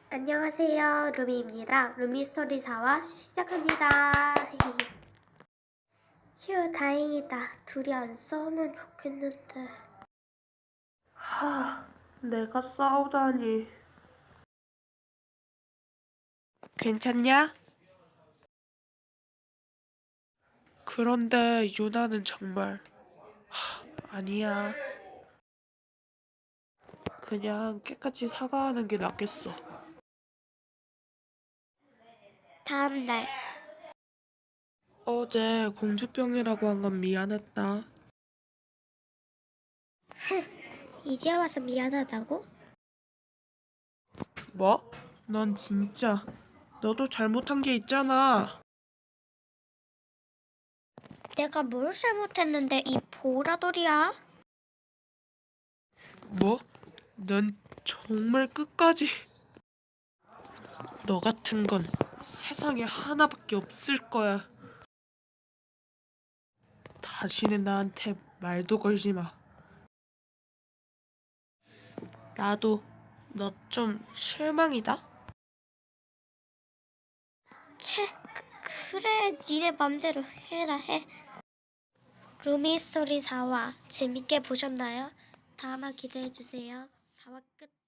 안녕하세요. 루미입니다. 루미스토리 4화 시작합니다. 휴, 다행이다. 둘이 안 싸우면 좋겠는데. 내가 싸우다니. 괜찮냐? 그런데 유나는 정말 아니야. 그냥 깨끗이 사과하는 게 낫겠어. 다음 날. 어제 공주병이라고 한 건 미안했다. 이제 와서 미안하다고? 뭐? 넌 진짜 너도 잘못한 게 있잖아. 내가 뭘 잘못했는데 이 보라돌이야? 뭐? 넌 정말 끝까지 너 같은 건 세상에 하나밖에 없을 거야. 다시는 나한테 말도 걸지 마. 나도 너 좀 실망이다. 채, 그래. 니네 맘대로 해라 해. 루미스토리 4화 재밌게 보셨나요? 다음화 기대해주세요. 4화 끝.